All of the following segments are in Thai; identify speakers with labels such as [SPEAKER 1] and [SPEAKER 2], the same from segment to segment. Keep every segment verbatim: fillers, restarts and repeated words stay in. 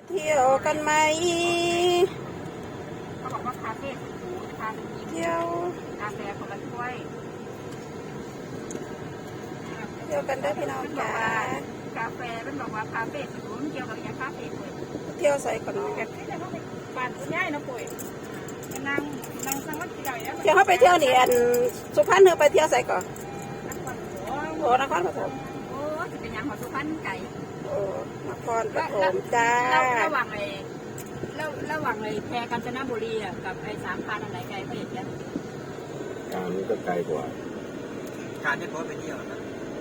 [SPEAKER 1] เที่ยวกันไหม
[SPEAKER 2] เขาบอกว่าคาเฟ่สุดหรูทานกิน
[SPEAKER 1] เที่ยว
[SPEAKER 2] กาแฟคนละถ้วย
[SPEAKER 1] เที่ยวกันได้พี่น้องจ๋าก
[SPEAKER 2] าแฟเป็นบอกว่าคาเฟ่สุดหรูเกี่ยวกับอย่างคาเฟ่เลย
[SPEAKER 1] เที่ยวใส่ก่อน
[SPEAKER 2] แบบที่จะต้องไปบ้านคุณยายนะป่วยนั่งนั่งสังวัตใหญ่แล้ว
[SPEAKER 1] เที่ยวเขาไปเที่ยวนี่อันสุพรรณเธอไปเที่ยวใส่ก่อน
[SPEAKER 2] นครหลวง
[SPEAKER 1] โอ้นครปฐม
[SPEAKER 2] โอ้จะเป็นอย่างของสุพรรณไก่
[SPEAKER 1] โอ้นครปฐมจ้า
[SPEAKER 2] ระหว่างไอ้ระระหว่างไอ้แพรกาญจนบุรีอ่ะกับไอ้สามพานอันไหนไกลเขาอย่างเงี้ย
[SPEAKER 3] การนี้ก็ไกลกว่า
[SPEAKER 4] การที่เขาไปเที่ยวนะ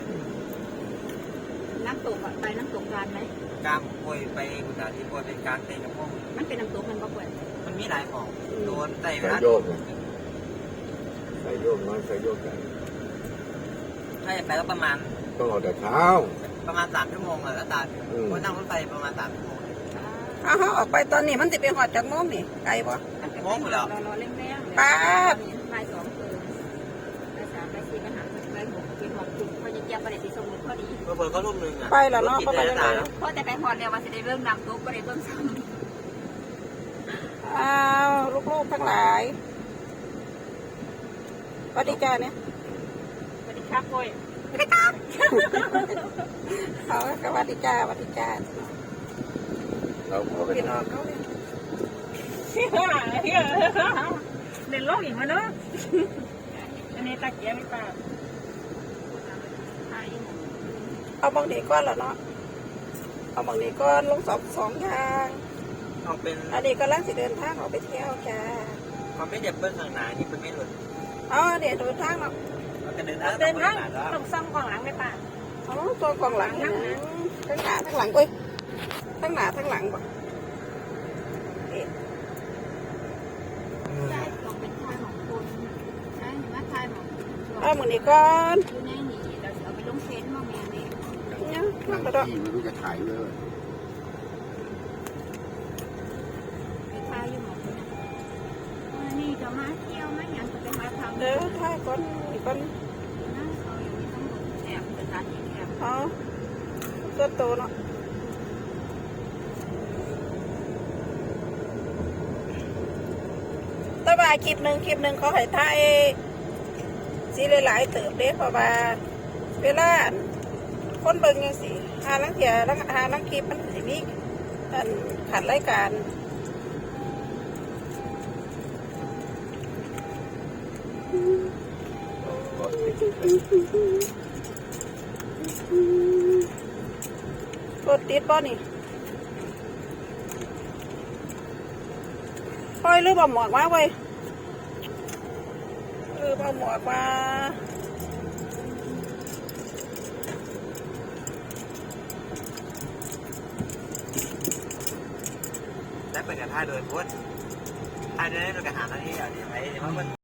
[SPEAKER 2] น้ำตกอ่ะไปน้ำตกการไหม
[SPEAKER 4] การป่วยไปกุฏาที่ป่วยเป็นการเต้นกับพวก
[SPEAKER 2] มันเป็นน้ำตกมันก็ป่วย
[SPEAKER 4] มันมีหลายของโดนไต่เว
[SPEAKER 3] สาย
[SPEAKER 4] ลา
[SPEAKER 3] โยกเนี่ยสายโยกน้อยสายโยกใหญ่
[SPEAKER 4] ถ้าจะไปก็ประมาณ
[SPEAKER 3] ต้องออกแต่เช้า
[SPEAKER 4] ประมาณสามชั่วโมงอะแล้วตาคนนั่งรถไฟประมาณสามชั่วโมง
[SPEAKER 1] เอาเขาออกไปตอนนี้มันจะไปหอดจากโมงนี่ไกลปะ
[SPEAKER 2] รอรอเร่งแรงบ่ายสองคืนบ่ายสามบ่ายสี่ก็หาบ่ายหกเป็นหกจุดพอจะเจียบประเด็นที่สมุนพอดี
[SPEAKER 4] เปิดเขารุ่มหนึ่งอะ
[SPEAKER 1] ไปแล้วเนาะเขาไปแล้ว
[SPEAKER 2] เพราะแต่ไปหอดเนี่ยว่าจะได้เริ่มนำตุ๊กก็ได้เริ่มซ้
[SPEAKER 1] อ้าวลูกๆทั้งหลายสวัสดีจ้าเนี่ย
[SPEAKER 2] ำสวัสดีครับป่วย
[SPEAKER 1] เขาก็สวัสดีจ้าสวัสดีจ้า
[SPEAKER 3] เราขอไป
[SPEAKER 1] พี่น้องเขาเนี่ย
[SPEAKER 2] เล่นโลกอีกมั้ยเนาะอันนี้ตะเกียบไม่ป่า
[SPEAKER 1] เอาบางดีก้อนแล้วเนาะเอาบางดีก้อนลงสองสองทาง
[SPEAKER 4] เขาเป็น
[SPEAKER 1] อันนี้ก็ล่างสิเดินทางออกไปเที่ยวจ้า
[SPEAKER 4] เขาไม่เด็บเบิ้ลข้างหน้านี่เป็นไม่หลุด
[SPEAKER 1] อ๋อเดี๋ยวเดินทางเนาะ
[SPEAKER 4] เขาจะเดินทาง
[SPEAKER 2] เดินทาง
[SPEAKER 4] แล้ว
[SPEAKER 2] ต้องซ่อมกองหลังไม่ป่า
[SPEAKER 1] อ๋อตัวกองหลังนะทั้งหน้าทั้งหลังเอ้ยทั้งหน้าทั้งหลังบ่
[SPEAKER 2] ใช่ต้องเป็นทางของคนใช่หรือว่าทางของ
[SPEAKER 1] เอามือนี้ก่อน
[SPEAKER 2] อยู่ในนี่เราจะเอาไปลงเฟซมาแม่นี่
[SPEAKER 1] เนี่ย
[SPEAKER 3] นั่
[SPEAKER 1] นั่
[SPEAKER 3] ง
[SPEAKER 1] งกระโดด
[SPEAKER 3] ที่ไม่รู้จะถ่ายเลย
[SPEAKER 2] ไปทายอยู่หมดเลยนี่จะมาเที่ยวไหมยังจะไปมาทำ
[SPEAKER 1] เดี๋ยวถ่ายก่อนอีกก่อน
[SPEAKER 2] นั่งเอาอย่างนี้ทั้งหมดแอบเป็นการแอบ
[SPEAKER 1] อ๋อตัวโตเนาะแตว่าคลิปหนึ่งคลิปหนึ่งเขาให้ถ่ายสีหลายๆเติบเด้เพราะว่าเวลาคนเบิ่งยังสิหาลังเทียลังหาลังคลิปมันสิมีอันขัดรายการรถติดป่ะนี่ปล่อยหรือบ่หมวกมาเว้ยเออบ่หมวกมา
[SPEAKER 4] และเป็นการท่าโดยพุทธท่าโดยโดยการหาหน้าที่อย่างนี้ไหมว่ามัน